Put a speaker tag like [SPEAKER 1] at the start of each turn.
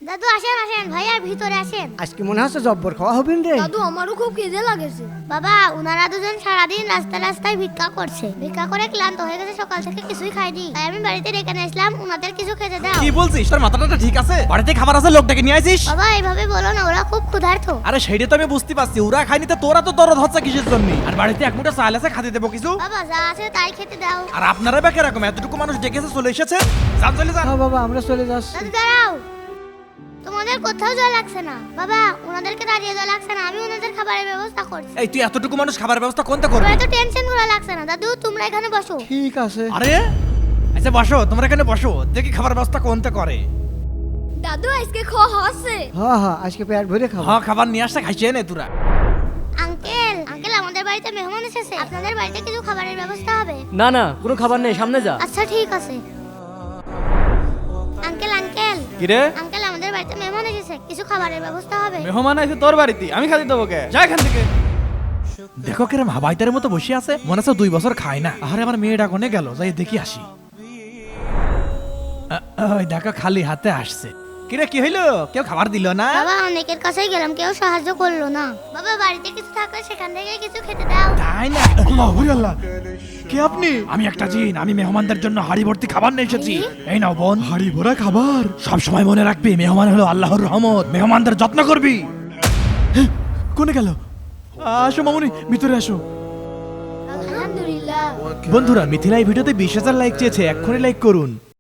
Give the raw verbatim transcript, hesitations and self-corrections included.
[SPEAKER 1] দাদু আসেন আসেন ভাইয়া ভিতরে আসেন।
[SPEAKER 2] আজকে মনে হচ্ছে জব্বর খাওয়া হবেন রে।
[SPEAKER 3] দাদু আমারও খুব খিদে লাগেছে।
[SPEAKER 1] বাবা উনারা দুজন সারাদিন রাস্তায় রাস্তায় ভিক্ষা করছে, ভিক্ষা করে ক্লান্ত হয়ে গেছে, সকাল থেকে কিছুই খাইনি, তাই আমি বাড়িতে ডেকে নিয়ে আসলাম, উনাদের কিছু খেতে দাও।
[SPEAKER 4] কি বলছিস? তোর মাথাটা ঠিক আছে? বাড়িতে খাবার আছে, লোকটাকে নিয়ে আইছিস?
[SPEAKER 1] বাবা এইভাবে বলো না, ওরা খুব ক্ষুধার্ত।
[SPEAKER 4] আরে সেইটা তো আমি বুঝতে পারছি, ওরা খাইনি তো তোরা তো দরদ হচ্ছে কিসের জন্য? আর বাড়িতে এক মুঠো চাল আছে, খাতে দেবো কিছু?
[SPEAKER 1] বাবা যা আছে তাই খেতে দাও।
[SPEAKER 4] আর আপনারা বা কিরকম? এতটুকু মানুষ ডেকেছে, চলে এসেছে, যান চলে যান।
[SPEAKER 2] হ্যাঁ বাবা আমরা চলে যাচ্ছি।
[SPEAKER 1] দাদু দাঁড়াও, তোমাদের কোথাও জল লাগছে না। বাবা ওনাদেরকে দাঁড়িয়ে জল লাগছে না, আমি ওনাদের খাবারের ব্যবস্থা করছি।
[SPEAKER 4] এই তুই এতটুকু মানুষ খাবার ব্যবস্থা কোনটা করবি?
[SPEAKER 1] তোমরা তো টেনশন করা লাগছে না। দাদু তোমরা এখানে বসো।
[SPEAKER 2] ঠিক আছে।
[SPEAKER 4] আরে আচ্ছা বসো, তোমরা এখানে বসো, দেখি খাবার ব্যবস্থা কোনটা করে।
[SPEAKER 3] দাদু আজকে খাওয়া হচ্ছে?
[SPEAKER 2] হ্যাঁ হ্যাঁ আজকে পেট ভরে খাবো।
[SPEAKER 4] হ্যাঁ খাবার নিয়ে আসতে খাইছে নে তোরা।
[SPEAKER 1] আঙ্কেল আঙ্কেল আমাদের বাড়িতে মেহমান এসেছে, আপনাদের বাড়িতে কিছু খাবারের ব্যবস্থা হবে?
[SPEAKER 5] না না কোনো খাবার নেই, সামনে যা।
[SPEAKER 1] আচ্ছা ঠিক আছে। আঙ্কেল আঙ্কেল
[SPEAKER 6] কি রে?
[SPEAKER 1] আঙ্কেল আমাদের বাড়িতে মেহমান এসেছে, কিছু খাবারের ব্যবস্থা হবে?
[SPEAKER 6] মেহমান আছে তোর বাড়িতে, আমি খাতে দেবো কে? যা এখান থেকে।
[SPEAKER 4] দেখো কিরম হাবাইতারের মতো বসে আছে, মনে হচ্ছে দুই বছর খায় না। আরে আমার মেয়েটা কোনে গেল, যাই দেখি আসি। আ, ওই দেখো খালি হাতে আসছে। কিরে কি হইলো? কেউ খাবার দিল না?
[SPEAKER 1] বাবা অনেকের কাছেই গেলাম, কেউ সাহায্য করলো না। বাবা বাড়িতে কিছু থাকলে সেখান থেকে কিছু খেতে দাও।
[SPEAKER 4] তাই না? আল্লাহ আল্লাহ, কে আপনি? আমি একটা জিন, আমি মেহমানদের জন্য হাড়ি ভর্তি খাবার নিয়ে এসেছি। এই নাও বোন, হাড়ি ভরা খাবার। সব সময় মনে রাখবি, মেহমান হলো আল্লাহর রহমত, মেহমানদের যত্ন করবি। কোনে গেল? আসো মামুনি, ভিতরে আসো।
[SPEAKER 3] আলহামদুলিল্লাহ।
[SPEAKER 4] বন্ধুরা মিথিলা এই ভিডিওতে বিশ হাজার লাইক চেয়েছে, এক্ষুনি লাইক করুন।